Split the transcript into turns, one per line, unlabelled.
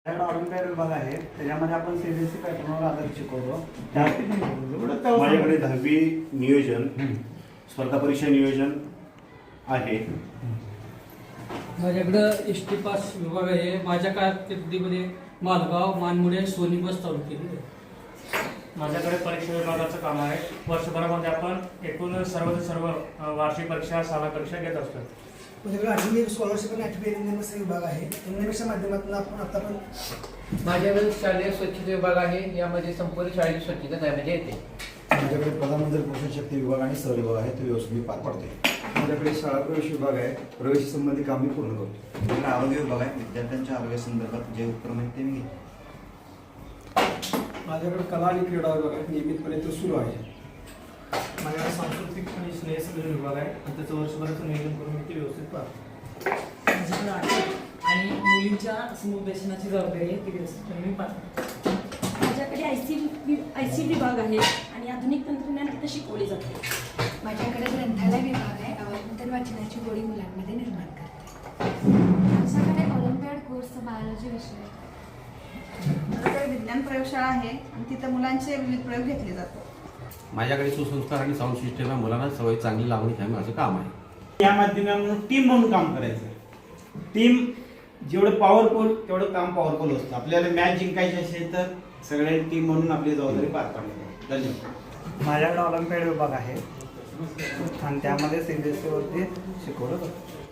माझ्याकडे ऑलिम्पियाड विभाग आहे, त्याच्यामध्ये आपण सीबीएसई पॅटर्नवर आधारित शिकवतो.
माझ्याकडे 10वी नियोजन, स्पर्धा परीक्षा नियोजन आहे.
माझ्याकडं एस टी पास विभाग आहे. माझ्या कारकिर्दीमध्ये मालगाव, मानमुडे, सोनी बस चालू केली आहे.
माझ्याकडे परीक्षा विभागाचं काम आहे. वर्षभरामध्ये आपण एकूण सर्व वार्षिक परीक्षा, शाळा परीक्षा घेत असतो.
माझ्याकडे 8वी स्कॉलरशिप आणि 8वी एनएमएस विभाग आहे. एनएमएसच्या माध्यमातून आपण आता पण
माझ्याकडे शालेय स्वच्छता विभाग आहे. यामध्ये संपूर्ण शाळेची स्वच्छता त्यामध्ये येते.
माझ्याकडे प्रधानमंत्री पोषण शक्ती विभाग आणि सर विभाग आहे, तो व्यवस्थित पार पाडते.
माझ्याकडे शाळा प्रवेश विभाग आहे, प्रवेश संबंधी काम मी पूर्ण करतो.
माझ्याकडे आरोग्य विभाग आहे, विद्यार्थ्यांच्या आरोग्यासंदर्भात जे उपक्रम आहेत ते मी घेतो.
माझ्याकडे कला आणि क्रीडा विभाग आहे, नियमितपणे तो सुरू आहे.
माझ्याकडे सांस्कृतिक आणि स्नेहसंमेलन विभाग आहे आणि त्याचं वर्षभराचं नियोजन करून मी ते व्यवस्थित पाहतो.
माझ्याकडे आहे आणि मुलींच्या समुपदेशनाची जबाबदारी आहे, ती व्यवस्थितपणे मी पाहतो.
माझ्याकडे आयसी विभाग आहे आणि आधुनिक तंत्रज्ञान तिथे शिकवले जाते.
माझ्याकडे ग्रंथालय विभाग आहे, अवंतर वाचनाची गोडी मुलांमध्ये निर्माण करते.
माझ्याकडे ऑलिम्पियाड कोर्स बायोलॉजी विषय.
माझ्याकडे विज्ञान प्रयोगशाळा आहे आणि तिथं मुलांचे विविध प्रयोग घेतले जातात.
माझ्याकडे सुसंस्कार आणि साऊंड सिस्टम आहे. मुलांना सवय चांगली लावणी हे माझं काम आहे.
या माध्यमातून टीम म्हणून काम करायचं. टीम जेवढं पॉवरफुल तेवढं काम पॉवरफुल असतं. आपल्याला मॅच जिंकायची असेल तर सगळे टीम म्हणून आपली जबाबदारी पार पाडली जाते. धन्यवाद. माझ्याकडे ऑलिम्पियाड विभाग आहे आणि त्यामध्ये सीबीएसई वरती शिकवलं जातं.